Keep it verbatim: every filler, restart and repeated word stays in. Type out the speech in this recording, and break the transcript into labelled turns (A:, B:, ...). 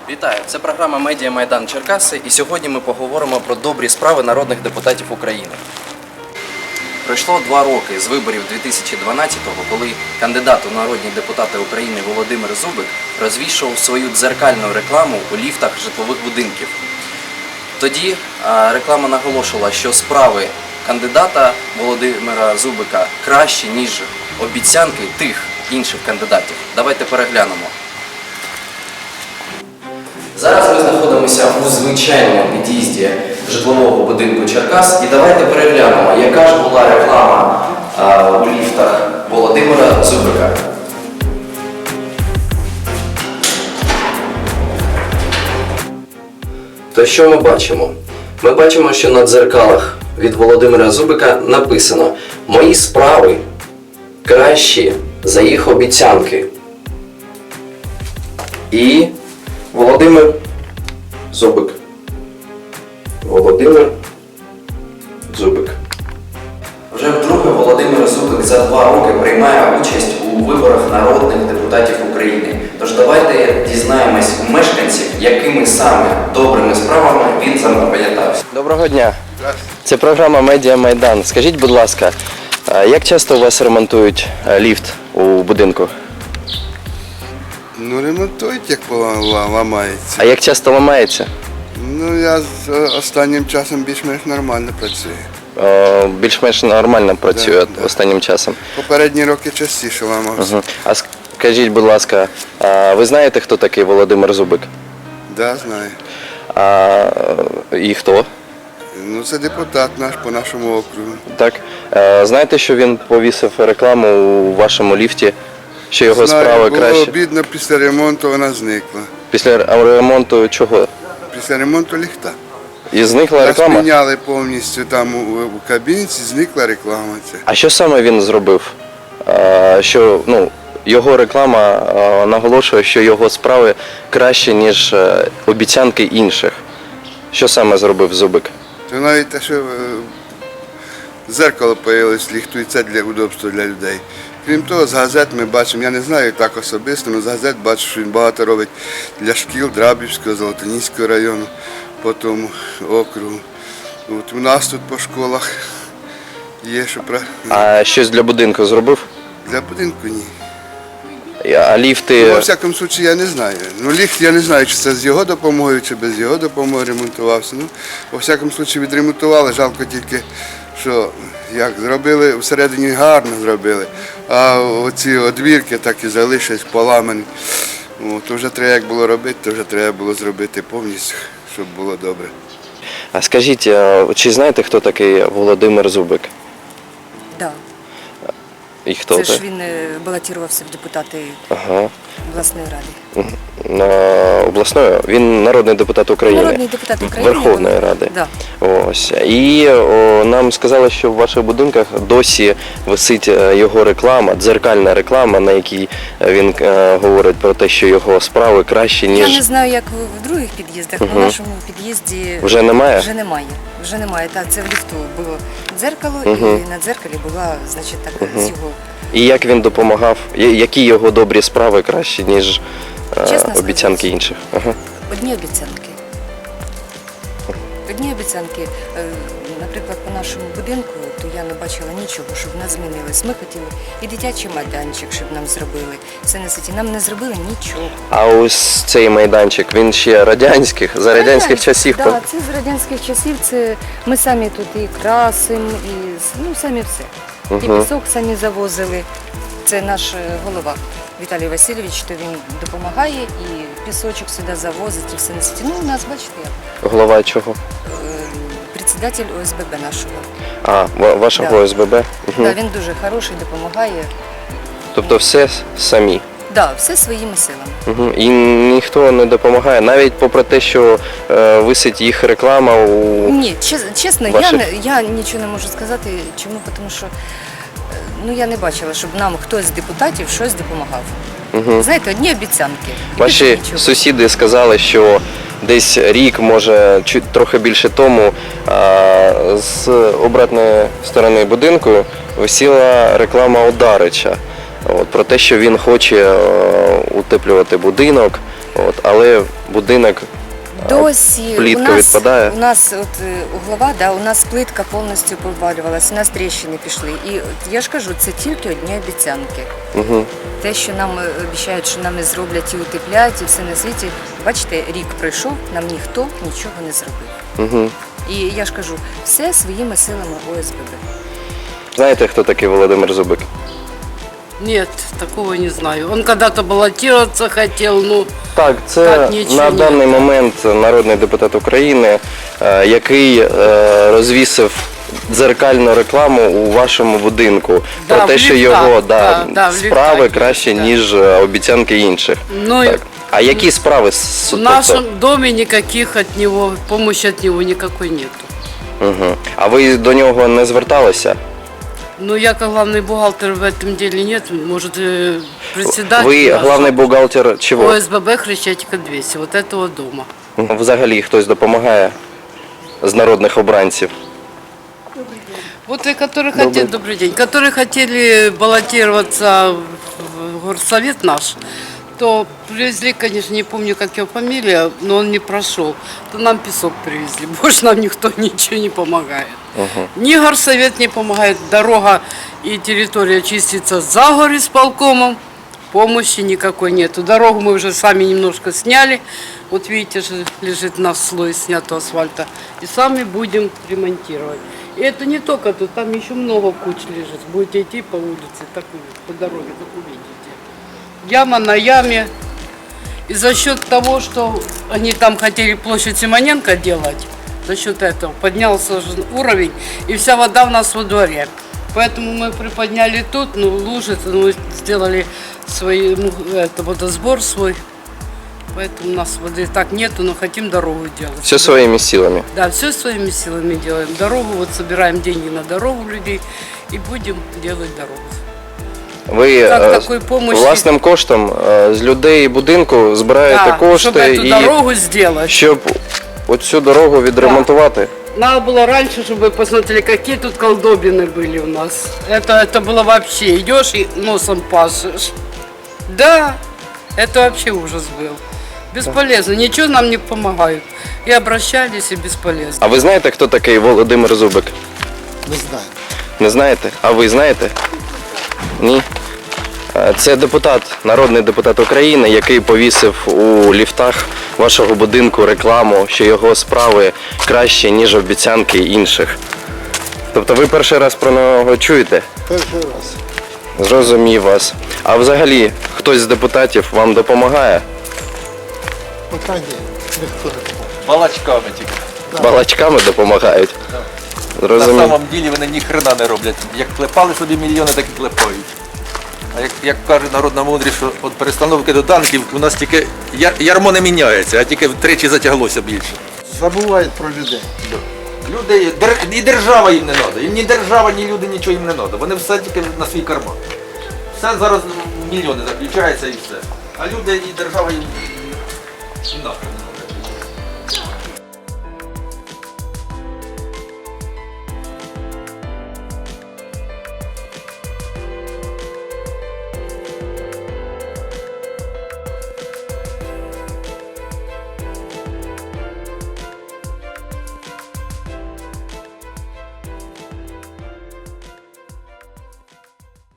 A: Вітаю! Це програма «Медіа Майдан Черкаси» і сьогодні ми поговоримо про добрі справи народних депутатів України. Пройшло два роки з виборів дві тисячі дванадцятого, коли кандидат у народні депутати України Володимир Зубик розвішував свою дзеркальну рекламу у ліфтах житлових будинків. Тоді реклама наголошувала, що справи кандидата Володимира Зубика кращі, ніж обіцянки тих інших кандидатів. Давайте переглянемо. Зараз ми знаходимося у звичайному під'їзді житлового будинку Черкас і давайте переглянемо, яка ж була реклама а, у ліфтах Володимира Зубика. То що ми бачимо? Ми бачимо, що на дзеркалах від Володимира Зубика написано «Мої справи кращі за їх обіцянки». І Володимир Зубик. Володимир Зубик. Вже вдруге Володимир Зубик за два роки приймає участь у виборах народних депутатів України. Тож давайте дізнаємось у мешканців, якими саме добрими справами він запам'ятався. Доброго дня. Це програма «Медіа Майдан». Скажіть, будь ласка, як часто у вас ремонтують ліфт у будинку?
B: Ну, ремонтують, як ламається.
A: А як часто ламається?
B: Ну, я з останнім часом більш-менш нормально працюю.
A: О, більш-менш нормально працює
B: Да, да.
A: останнім часом.
B: Попередні роки частіше ламався.
A: Угу. А скажіть, будь ласка, а ви знаєте, хто такий Володимир Зубик?
B: Да, знаю.
A: А, і хто?
B: Ну, це депутат наш по нашому округу.
A: Так. А, знаєте, що він повісив рекламу у вашому ліфті, що його
B: Знаю,
A: справи
B: було
A: краще?
B: обідно, після ремонту вона зникла.
A: Після ремонту чого?
B: Після ремонту ліфта.
A: І зникла
B: Нас
A: реклама?
B: міняли повністю там у, у кабінці, зникла реклама. Ця.
A: А що саме він зробив? А, що, ну, його реклама а, наголошує, що його справи краще, ніж а, обіцянки інших. Що саме зробив Зубик?
B: То навіть те, що е, зеркало появилось ліфту, і це для удобства для людей. Крім того, з газет ми бачимо, я не знаю так особисто, але з газет бачу, що він багато робить для шкіл Драбівського, Золотоніського району, по тому округу. От у нас тут по школах є, що про...
A: А щось для будинку зробив?
B: Для будинку ні.
A: А ліфти...
B: Ну, во всякому випадку я не знаю. Ну, ліфт я не знаю, чи це з його допомогою, чи без його допомоги ремонтувався. Ну, во всякому випадку відремонтували, жалко тільки, що як зробили, всередині гарно зробили, а оці одвірки так і залишились поламані. О, то вже треба як було робити, то вже треба було зробити повністю, щоб було добре.
A: А скажіть, чи знаєте, хто такий Володимир Зубик?
C: Да.
A: І хто
C: Це
A: це?
C: ж він е, балотувався в депутати
A: Ага.
C: обласної ради.
A: На обласної? Він народний депутат України.
C: Народний депутат України.
A: Верховної Ради.
C: Да.
A: Ось. І о, нам сказали, що в ваших будинках досі висить е, його реклама, дзеркальна реклама, на якій він е, говорить про те, що його справи кращі, ніж...
C: Я не знаю, як в- в других під'їздах, але
A: Мгм.
C: в нашому під'їзді
A: Вже немає?
C: Вже немає. Вже немає. Так, це в ліфту було дзеркало,
A: Мгм.
C: і на дзеркалі була, значить, так, з його.
A: І як він допомагав, я- які його добрі справи кращі, ніж е,
C: Чесно
A: обіцянки
C: сказати.
A: інших? Ага.
C: Одні обіцянки. Одні обіцянки. Е, Наприклад, по нашому будинку, то я не бачила нічого, щоб в нас змінилось. Ми хотіли і дитячий майданчик, щоб нам зробили. Все на світі. Нам не зробили нічого.
A: А ось цей майданчик, він ще радянських, за радянських часів.
C: Так, да, це з радянських часів. Це ми самі тут і красимо, і ну самі все. І
A: Мгм.
C: пісок самі завозили. Це наш е, голова Віталій Васильович, то він допомагає і пісочок сюди завозить, і все на світі. Ну, у нас, бачите, як
A: Голова чого?
C: е, председатель О С Б Б нашого.
A: А, ва- вашого
C: Да.
A: О С Б Б? Угу.
C: Да, він дуже хороший, допомагає.
A: Тобто все с- самі.
C: Да, все своїми силами.
A: Угу. І ніхто не допомагає, навіть попри те, що е, висить їх реклама у...
C: Ні, чес- чесно,
A: Ваших-
C: я, не, я нічого не можу сказати. Чому? Тому що е, ну, я не бачила, щоб нам хтось з депутатів щось допомагав.
A: Угу.
C: Знаєте, одні обіцянки. і
A: Ваші
C: більше нічого.
A: сусіди сказали, що десь рік, може, чуть трохи більше тому, а, з обратної сторони будинку висіла реклама Одарича. От, про те, що він хоче е, утеплювати будинок, От, але будинок
C: Досі
A: плитка
C: у нас,
A: відпадає.
C: у нас от е, углова, да, у нас плитка повністю повалювалася, у нас тріщини пішли. І от я ж кажу, це тільки одні обіцянки.
A: Угу.
C: Те, що нам е, обіцяють, що нам не зроблять і утеплять, і все на світі. Бачите, рік пройшов, нам ніхто нічого не зробив.
A: Угу.
C: І я ж кажу, все своїми силами О С Б Б.
A: Знаєте, хто такий Володимир Зубик?
D: Нет, такого не знаю. Он когда-то баллотироваться хотел, ну,
A: Так, це
D: Так, нічого
A: на
D: ні.
A: даний момент народний депутат України, е, який е, розвісив дзеркальну рекламу у вашому будинку
D: Да,
A: про те,
D: в
A: що
D: ліфтах,
A: його да,
D: да, да, в
A: справи
D: ліфтах,
A: краще,
D: да.
A: ніж е, обіцянки інших.
D: ну
A: Так. А які справи с-
D: в
A: тобто?
D: нашем доме никаких от него, помощи от него никакой нету.
A: Угу. А ви до нього не зверталися?
D: Но я как главный бухгалтер в этом деле нет, может, э, председатель
A: Ви
D: наш,
A: главний бухгалтер чого?
D: О С Б Б Хрещатика двести, вот этого дома.
A: Взагалі хтось допомагає з народних обранців?
D: Вот и которые хотели, добрый день, которые хотели баллотироваться в горсовет наш, то привезли, конечно, не помню, как его фамилия, но он не прошел. То нам песок привезли. Больше нам никто ничего не помогает. Ни горсовет не помогает, дорога и территория чистится за горисполкомом, помощи никакой нету. Дорогу мы уже сами немножко сняли. Вот видите, же лежит на слой снятого асфальта. И сами будем ремонтировать. И это не только тут, там еще много куч лежит. Будете идти по улице, так и по дороге, так увидите. Яма на яме. И за счет того, что они там хотели площадь Симоненко делать, за счет этого поднялся же уровень, и вся вода у нас во дворе. Поэтому мы приподняли тут, ну, лужи, ну, сделали свой, ну, это, водосбор свой. Поэтому у нас воды так нету, но хотим дорогу делать.
A: Все своїми силами.
D: Да, все своими силами делаем. Дорогу, вот собираем деньги на дорогу людей и будем делать дорогу.
A: Ви
D: Так,
A: е,
D: такої помощі-
A: власним коштом е, з людей будинку збираєте
D: Да,
A: кошти,
D: чтобы эту
A: і
D: дорогу сделать.
A: щоб оцю дорогу відремонтувати.
D: Надо было раньше, чтобы вы посмотрели, какие тут колдобины были у нас. Это, это было вообще, идешь и носом пашешь. Да, это вообще ужас был. Бесполезно, ничего нам не помогают. И обращались, и бесполезно.
A: А ви знаєте, хто такий Володимир Зубик?
E: Не знаю.
A: Не знаєте? А ви знаєте? Ні. Е, Це депутат, народний депутат України, який повісив у ліфтах вашого будинку рекламу, що його справи краще, ніж обіцянки інших. Тобто ви перший раз про нього чуєте?
E: Перший раз.
A: Зрозумів вас. А взагалі, хтось з депутатів вам допомагає?
E: Поки ні, ніхто не допоможе.
F: Балачками тільки.
A: Балачками допомагають?
F: На
A: Зрозумів.
F: самом ділі вони ні хрена не роблять. Як клепали собі мільйони, так і клепають. А як, як каже народна мудрість, що від перестановки до танків у нас тільки яр- ярмо не міняється, а тільки втричі затяглося більше.
E: Забувають про людей.
F: Люди, дер- і держава їм не треба. Їм ні держава, ні люди, нічого їм не треба. Вони все тільки на свій карман. Все зараз в мільйони заключається і все. А люди і держава їм і нахрен.